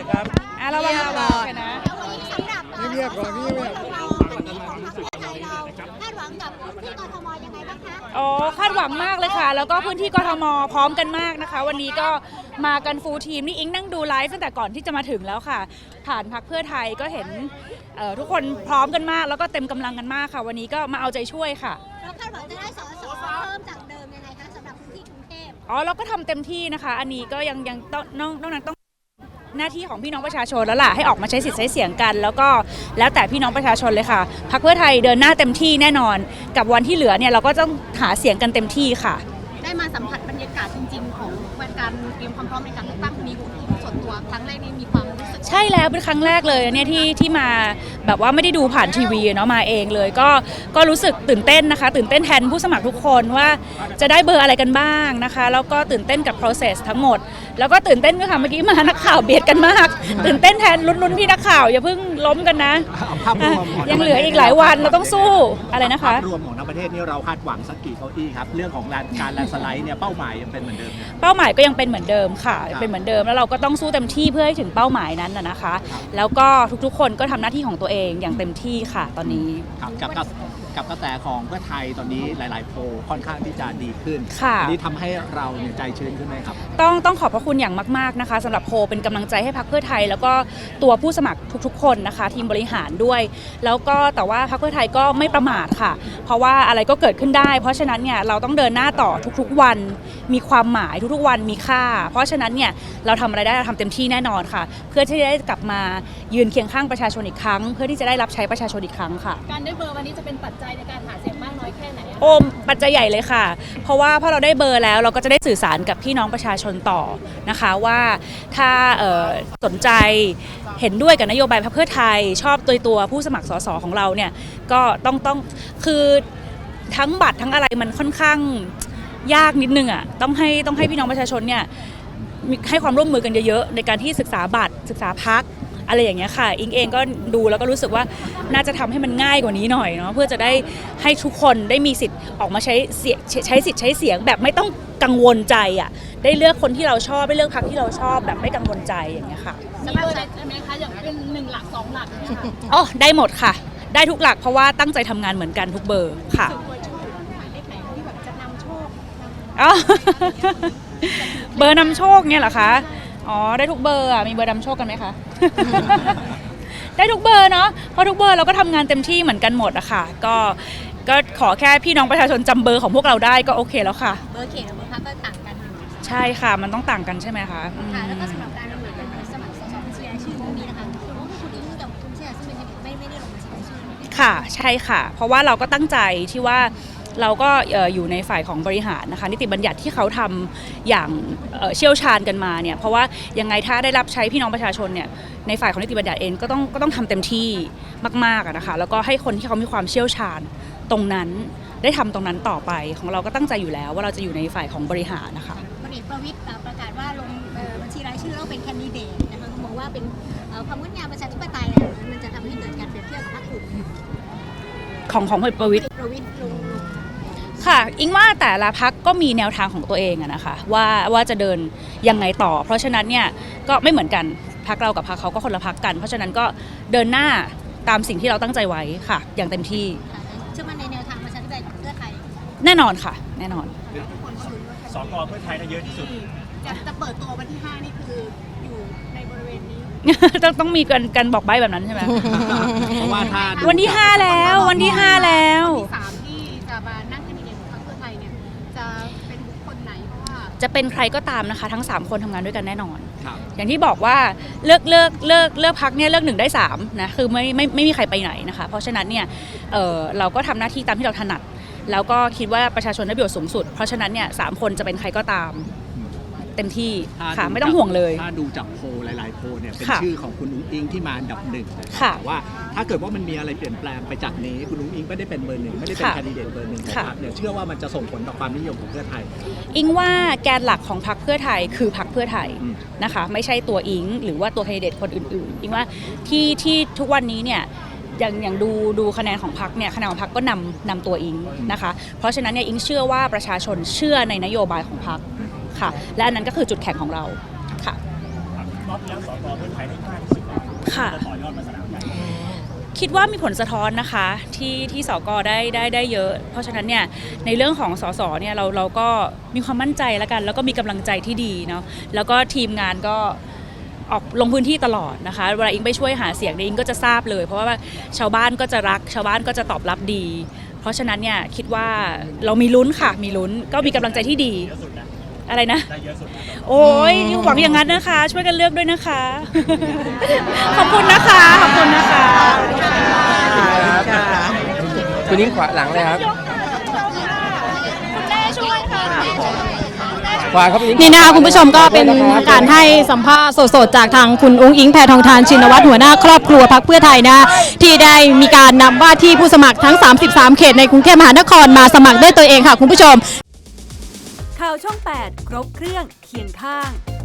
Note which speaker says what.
Speaker 1: ครับ
Speaker 2: ระวังระวังนะ
Speaker 1: เงียบก่อนนี่เงียบ
Speaker 3: คาดหวังกับพื้นที่กทมยังไงบ้างคะ
Speaker 2: อ๋อคาดหวังมากเลยค่ะแล้วก็พื้นที่กทมพร้อมกันมากนะคะวันนี้ก็มากันฟูลทีมนี่อิงนั่งดูไลฟ์ตั้งแต่ก่อนที่จะมาถึงแล้วค่ะผ่านพรรคเพื่อไทยก็เห็นทุกคนพร้อมกันมากแล้วก็เต็มกำลังกันมากค่ะวันนี้ก็มาเอาใจช่วยค่ะ
Speaker 3: เราคาดหวังจะได้สสเพิ่มจากเดิมยังไงคะสำหรับพื้นที่กรุงเทพ
Speaker 2: อ๋อเราก็ทำเต็มที่นะคะอันนี้ก็ยังต้องนอกนั้นต้องหน้าที่ของพี่น้องประชาชนแล้วล่ะให้ออกมาใช้สิทธิ์ใช้เสียงกัน แล้วก็แล้วแต่พี่น้องประชาชนเลยค่ะพรรคเพื่อไทยเดินหน้าเต็มที่แน่นอนกับวันที่เหลือเนี่ยเราก็ต้องหาเสียงกันเต็มที่ค่ะ
Speaker 4: ได้มาสัมผัสบรรยากาศจริงๆของการเตรียมความพร้อมในการเลือกตั้งมีส่วนตัวครั้งแรกนี่มีความรู้สึก
Speaker 2: ใช่แล้วเป็นครั้งแรกเลยเนี่ยที่มาแบบว่าไม่ได้ดูผ่านทีวีเนาะมาเองเลยก็รู้สึกตื่นเต้นนะคะตื่นเต้นแทนผู้สมัครทุกคนว่าจะได้เบอร์อะไรกันบ้างนะคะแล้วก็ตื่นเต้นกับ process ทั้งหมดแล้วก็ตื่นเต้นด้วยค่ะเมื่อกี้มานักข่าวเบียดกันมากตื่นเต้นแทนลุ้นพี่นักข่าวอย่าเพิ่งล้มกันนะยังเหลืออีกหลายวันเราต้องสู้อะไรนะคะ
Speaker 5: ภาพรวมของทั้งประเทศนี่เราคาดหวังสักกี่เก้าอี้ครับเรื่องของการแลนด์สไลด์เนี่ยเป้าหมายยังเป็นเหมือนเดิม
Speaker 2: เป้าหมายก็ยังเป็นเหมือนเดิมค่ะเป็นเหมือนเดิมแล้วเราก็ต้องสู้เต็มที่เพื่อให้ถึงเป้าหมายนั้นนะคะแล้วก็ทุกๆคนก็ทำหน้าที่ของตัวเองอย่างเต็มที่ค่ะตอนนี้
Speaker 5: กับกระแสของเพื่อไทยตอนนี้หลายๆโพลค่อนข้างที่จะดีขึ้นนี่ทำให้เราเนี่ยใจชื้นขึ้นไหมครับ
Speaker 2: ต้องขอบพระคุณอย่างมากๆนะคะสำหรับโพลเป็นกำลังใจให้พรรคเพื่อไทยแล้วก็ตัวผู้สมัครทุกๆคนนะคะทีมบริหารด้วยแล้วก็แต่ว่าพรรคเพื่อไทยก็ไม่ประมาทค่ะเพราะว่าอะไรก็เกิดขึ้นได้เพราะฉะนั้นเนี่ยเราต้องเดินหน้าต่อทุกๆวันมีความหมายทุกๆวันมีค่าเพราะฉะนั้นเนี่ยเราทำอะไรได้เราทำเต็มที่แน่นอนค่ะเพื่อที่จะได้กลับมายืนเคียงข้างประชาชนอีกครั้งเพื่อที่จะได้รับใช้ประชาชนอีกครั้งค่ะ
Speaker 4: การได้เบอร์วันนี้จะเป็นปัจจัยในการหาเสียงมากน้อยแค่ไหน
Speaker 2: ปัจจัยใหญ่เลยค่ะเพราะว่าพอเราได้เบอร์แล้วเราก็จะได้สื่อสารกับพี่น้องประชาชนต่อนะคะว่าถ้าสนใจเห็นด้วยกับนโยบายพรรคเพื่อไทยชอบตัวผู้สมัครสสของเราเนี่ยก็ต้องคือทั้งบัตรทั้งอะไรมันค่อนข้างยากนิดนึงอ่ะต้องให้พี่น้องประชาชนเนี่ยให้ความร่วมมือกันเยอะๆในการที่ศึกษาบัตรศึกษาพรรคอะไรอย่างเงี้ยค่ะอิงเองก็ดูแล้วก็รู้สึกว่าน่าจะทำให้มันง่ายกว่านี้หน่อยเนาะเพื่อจะได้ให้ทุกคนได้มีสิทธิ์ออกมาใช้สิทธิ์ใช้เสียงแบบไม่ต้องกังวลใจอ่ะได้เลือกคนที่เราชอบได้เลือกพรรคที่เราชอบแบบไม่กังวลใจอย่างเงี้ยค่ะ
Speaker 4: มีเบอร์ได้ไหมคะอย่างเป็น1 หลัก 2 หลัก
Speaker 2: อ๋อได้หมดค่ะได้ทุกหลักเพราะว่าตั้งใจทำงานเหมือนกันทุกเบอร์ค่ะเบอร์นำโชคเนี่ยเหรอคะอ๋อได้ทุกเบอร์อ่ะมีเบอร์นำโชคกันไหมคะ ได้ทุกเบอร์เนาะเพราะทุกเบอร์เราก็ทำงานเต็มที่เหมือนกันหมดอะค่ะก็ขอแค่พี่น้องประชาชนจำเบอร์ของพวกเราได้ก็โอเคแล้วค่ะ
Speaker 3: เบอร์เขตกับเบอร์พรรคก็ต่างกัน
Speaker 2: ใช่ค่ะมันต้องต่างกันใช่ไหมคะ
Speaker 3: ค่ะแล้วก็สำหรับการดำเนินการสมัครสสบัญชีรายชื่อนี้นะคะคุณอิงกับคุณเชียร์ซึ่งไม่ได้ลงบัญชีรายชื่อ
Speaker 2: ค่ะใช่ค่ะเพราะว่าเราก็ตั้งใจที่ว่าเราก็อยู่ในฝ่ายของบริหารนะคะนิติบัญญัติที่เขาทำอย่างเชี่ยวชาญกันมาเนี่ยเพราะว่ายังไงถ้าได้รับใช้พี่น้องประชาชนเนี่ยในฝ่ายของนิติบัญญัติเองก็ต้องทำเต็มที่มากๆนะคะแล้วก็ให้คนที่เขามีความเชี่ยวชาญตรงนั้นได้ทำตรงนั้นต่อไปของเราก็ตั้งใจอยู่แล้วว่าเราจะอยู่ในฝ่ายของบริหารนะคะ
Speaker 3: พลเอกประวิตรประกาศว่าลงบัญชีรายชื่อแล้วเป็นแคนดิเดตนะคะเขาบอกว่าเป็นความงดงามประชาธิปไตยเนี่ยมันจะทำให้เกิดการเปรียบเทียบกับพรรคอื่น
Speaker 2: ของพลเอกประวิตรค่ะอิงว่าแต่ละพรรคก็มีแนวทางของตัวเองนะคะว่าจะเดินยังไงต่อเพราะฉะนั้นเนี่ยก็ไม่เหมือนกันพรรคเรากับพรรคเขาก็คนละพรรคกันเพราะฉะนั้นก็เดินหน้าตามสิ่งที่เราตั้งใจไว้ค่ะอย่างเต็มที่
Speaker 3: เชื่อมั่นในแนวทางประชาธิปไตยของเพื่อไทย
Speaker 2: แน่นอนค่ะแน่นอน
Speaker 5: สก.เพื่อไทยได้เยอะที่สุด
Speaker 4: จะเปิดตัววันที่5นี่คืออยู่ในบริเวณนี้
Speaker 2: ต้องมีกันบอกใบ้แบบนั้นใช่ไหม
Speaker 5: เพราะว่าถ้า
Speaker 2: วันที่5แล้ววันที่5แล้ว
Speaker 4: 3ที่จะมานั่งแคนดิเดตของพรรคเพื่อไทยเนี่ยจะเป็นบุคคลไหนเพราะว่า
Speaker 2: จะเป็นใครก็ตามนะคะทั้ง3คนทำงานด้วยกันแน่นอนอย่างที่บอกว่าเลือกพรรคเนี่ยเลือก1ได้3นะคือไม่มีใครไปไหนนะคะเพราะฉะนั้นเนี่ยเราก็ทำหน้าที่ตามที่เราถนัดแล้วก็คิดว่าประชาชนได้ประโยชน์สูงสุดเพราะฉะนั้นเนี่ย3คนจะเป็นใครก็ตามเต็มที่ค่ะไม่ต้องห่วงเลย
Speaker 5: ถ้าดูจากโพลหลายๆโพลเนี่ยเป็นชื่อของคุณนุ้งอิงที่มาอันดับ1
Speaker 2: ค่ะ
Speaker 5: ว่าถ้าเกิดว่ามันมีอะไรเปลี่ยนแปลงไปจากนี้คุณนุ้งอิงไม่ได้เป็นเบอร์1ไม่ได้เป็นแคนดิเดตเบอร์1นะครับเนี่ยเชื่อว่ามันจะส่งผลต่อความนิยมของเพื่อไทย
Speaker 2: อิงว่าแกนหลักของพรรคเพื่อไทยคือพรรคเพื่อไทยนะคะไม่ใช่ตัวอิงหรือว่าตัวแคนดิเดตคนอื่นๆอิงว่าที่ทุกวันนี้เนี่ยอย่างดูคะแนนของพรรคเนี่ยคะแนนของพรรคก็นำตัวอิงนะคะเพราะฉะนั้นเนี่ยอิงเชื่อว่าประชาชนเชื่อในนโยบายของพรรคค่ะและอันนั้นก็คือจุดแข็งของเราค่ะค่ะคิดว่ามีผลสะท้อนนะคะที่สกได้เยอะ เพราะฉะนั้นเนี่ยในเรื่องของสสเนี่ยเราก็มีความมั่นใจแล้วกัน แล้วก็มีกำลังใจที่ดีเนาะแล้วก็ทีมงานก็ออกลงพื้นที่ตลอดนะคะเวลาอิงไปช่วยหาเสียงเนี่ยอิงก็จะทราบเลย เพราะว่าชาวบ้านก็จะรักชาวบ้านก็จะตอบรับดี เพราะฉะนั้นเนี่ยคิดว่าเรามีลุ้นค่ะมีลุ้นก็มีกำลังใจที่ดีอะไรนะโอ้ยหวังอย่างนั้นนะคะ ช่วยกันเลือกด้วยนะคะ ขอบคุณนะคะขอบคุณนะคะ
Speaker 1: คุณนิ้งขวาหลังเลยครับ
Speaker 2: คุณแม่ช่วยค่ะ
Speaker 1: ขวาครับ
Speaker 6: นี่นะคะคุณผู้ชมก็เป็นการให้สัมภาษณ์สดๆจากทางคุณอุ้งอิงแพทองธารชินวัตรหัวหน้าครอบครัวพรรคเพื่อไทยนะที่ได้มีการนำว่าที่ผู้สมัครทั้ง 33 เขตในกรุงเทพมหานครมาสมัครด้วยตัวเองค่ะคุณผู้ชม
Speaker 7: ข่าวช่อง 8 ครบเครื่องเคียงข้าง